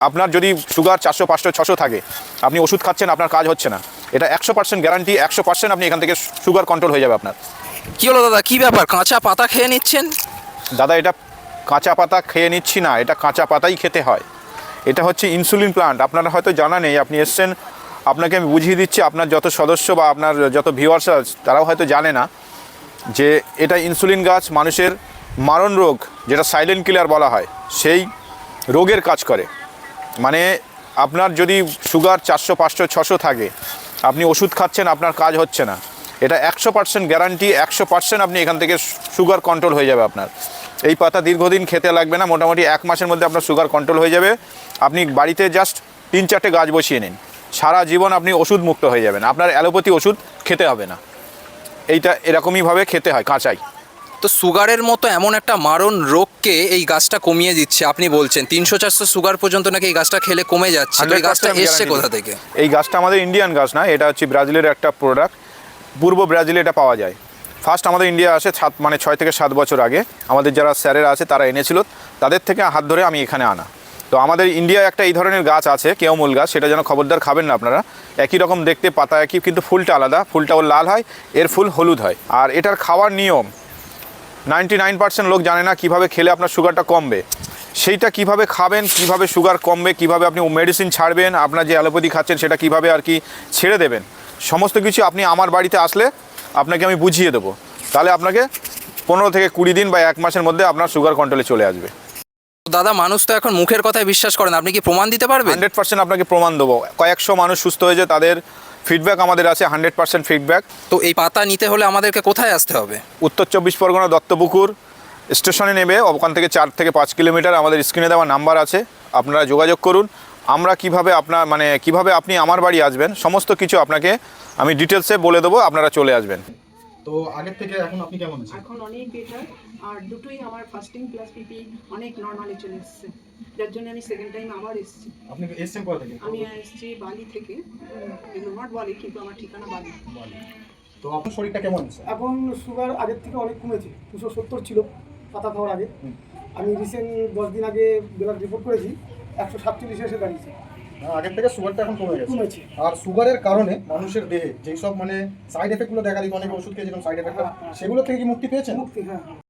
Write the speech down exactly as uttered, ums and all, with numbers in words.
আপনার যদি সুগার চারশো পাঁচশো ছশো থাকে, আপনি ওষুধ খাচ্ছেন, আপনার কাজ হচ্ছে না, এটা একশো পার্সেন্ট গ্যারান্টি, একশো পার্সেন্ট আপনি এখান থেকে সুগার কন্ট্রোল হয়ে যাবে আপনার। কি হলো দাদা, কি ব্যাপার, কাঁচা পাতা খেয়ে নিচ্ছেন? দাদা, এটা কাঁচা পাতা খেয়ে নিচ্ছি না, এটা কাঁচা পাতাই খেতে হয়। এটা হচ্ছে ইনসুলিন প্লান্ট। আপনারা হয়তো জানা নেই, আপনি এসছেন, আপনাকে আমি বুঝিয়ে দিচ্ছি। আপনার যত সদস্য বা আপনার যত ভিউয়ার্স আছে তারাও হয়তো জানে না যে এটা ইনসুলিন গাছ মানুষের মারণ রোগ, যেটা সাইলেন্ট কিলার বলা হয়, সেই রোগের কাজ করে। মানে আপনার যদি সুগার চারশো পাঁচশো ছশো থাকে, আপনি ওষুধ খাচ্ছেন, আপনার কাজ হচ্ছে না, এটা একশো পার্সেন্ট গ্যারান্টি, একশো পার্সেন্ট আপনি এখান থেকে সুগার কন্ট্রোল হয়ে যাবে আপনার। এই পাতা দীর্ঘদিন খেতে লাগবে না, মোটামুটি এক মাসের মধ্যে আপনার সুগার কন্ট্রোল হয়ে যাবে। আপনি বাড়িতে জাস্ট তিন চারটে গাছ বসিয়ে নিন, সারা জীবন আপনি ওষুধ মুক্ত হয়ে যাবেন, আপনার অ্যালোপ্যাথি ওষুধ খেতে হবে না। এইটা এরকমইভাবে খেতে হয় কাঁচাই। তো সুগারের মতো এমন একটা মারণ রোগকে এই গাছটা কমিয়ে দিচ্ছে। আপনি বলছেন তিনশো চারশো সুগার পর্যন্ত নাকি এই গাছটা খেলে কমে যাচ্ছে। তো এই গাছটা এসছে কোথা থেকে? এই গাছটা আমাদের ইন্ডিয়ান গাছ না, এটা হচ্ছে ব্রাজিলের একটা প্রোডাক্ট। পূর্ব ব্রাজিলে এটা পাওয়া যায়। ফার্স্ট আমাদের ইন্ডিয়া আসে সাত মানে ছয় থেকে সাত বছর আগে। আমাদের যারা স্যারেরা আছে তারা এনেছিল, তাদের থেকে হাত ধরে আমি এখানে আনা। তো আমাদের ইন্ডিয়ায় একটা এই ধরনের গাছ আছে, কেওমূল গাছ, সেটা যেন খবরদার খাবেন না আপনারা। একই রকম দেখতে, পাতা একই, কিন্তু ফুলটা আলাদা। ফুলটা ওর লাল হয়, এর ফুল হলুদ হয়। আর এটার খাওয়ার নিয়ম নাইনটি নাইন পার্সেন্ট লোক জানে না কীভাবে খেলে আপনার সুগারটা কমবে। সেইটা কিভাবে খাবেন, কিভাবে সুগার কমবে, কিভাবে আপনি মেডিসিন ছাড়বেন, আপনার যে অ্যালোপ্যাথি খাচ্ছেন সেটা কিভাবে আর কি ছেড়ে দেবেন, সমস্ত কিছু আপনি আমার বাড়িতে আসলে আপনাকে আমি বুঝিয়ে দেবো। তাহলে আপনাকে পনেরো থেকে কুড়ি দিন বা এক মাসের মধ্যে আপনার সুগার কন্ট্রোলে চলে আসবে। দাদা, মানুষ তো এখন মুখের কথায় বিশ্বাস করেন, আপনি কি প্রমাণ দিতে পারবেন? হান্ড্রেড পার্সেন্ট আপনাকে প্রমাণ দেবো। কয়েকশো মানুষ সুস্থ হয়েছে, তাদের ফিডব্যাক আমাদের আছে, হান্ড্রেড পার্সেন্ট ফিডব্যাক। তো এই পাতা নিতে হলে আমাদেরকে কোথায় আসতে হবে? উত্তর চব্বিশ পরগনা দত্তপুকুর স্টেশনে নেবে, ওখান থেকে চার থেকে পাঁচ কিলোমিটার। আমাদের স্ক্রিনে দেওয়া নাম্বার আছে, আপনারা যোগাযোগ করুন। আমরা কিভাবে আপনার মানে কিভাবে আপনি আমার বাড়ি আসবেন, সমস্ত কিছু আপনাকে আমি ডিটেলসে বলে দেবো, আপনারা চলে আসবেন। তো আগের থেকে এখন আপনি কেমন আছেন? এখন অনেক বেটার। আর দুটোই আমার ফাস্টিং প্লাস পিপি অনেক নর্মালি চলে এসেছে, যার জন্য আমি সেকেন্ড টাইম আবার এসেছি। আপনি এসেছেন কোথা থেকে? আমি এসেছি বালি থেকে, নট বালি কিন্তু আমার ঠিকানা বালি। তো আপনার শরীরটা কেমন আছে? এখন সুগার আগের থেকে অনেক কমেছে। দুশো সত্তর ছিল পাতা খাওয়ার আগে। আমি রিসেন্ট দশ দিন আগে ব্লাড রিপোর্ট করেছি, একশো সাতচল্লিশে এসে দাঁড়িয়েছে। আগের থেকে সুগারটা এখন কমে গেছে। কমেছে। আর সুগারের কারণে মানুষের দেহে যেই সব মানে সাইড এফেক্টগুলো দেখা দিত, অনেকে ওষুধ খেয়ে যেরকম সাইড এফেক্ট, সেগুলো থেকে কি মুক্তি পেয়েছেন? মুক্তি, হ্যাঁ।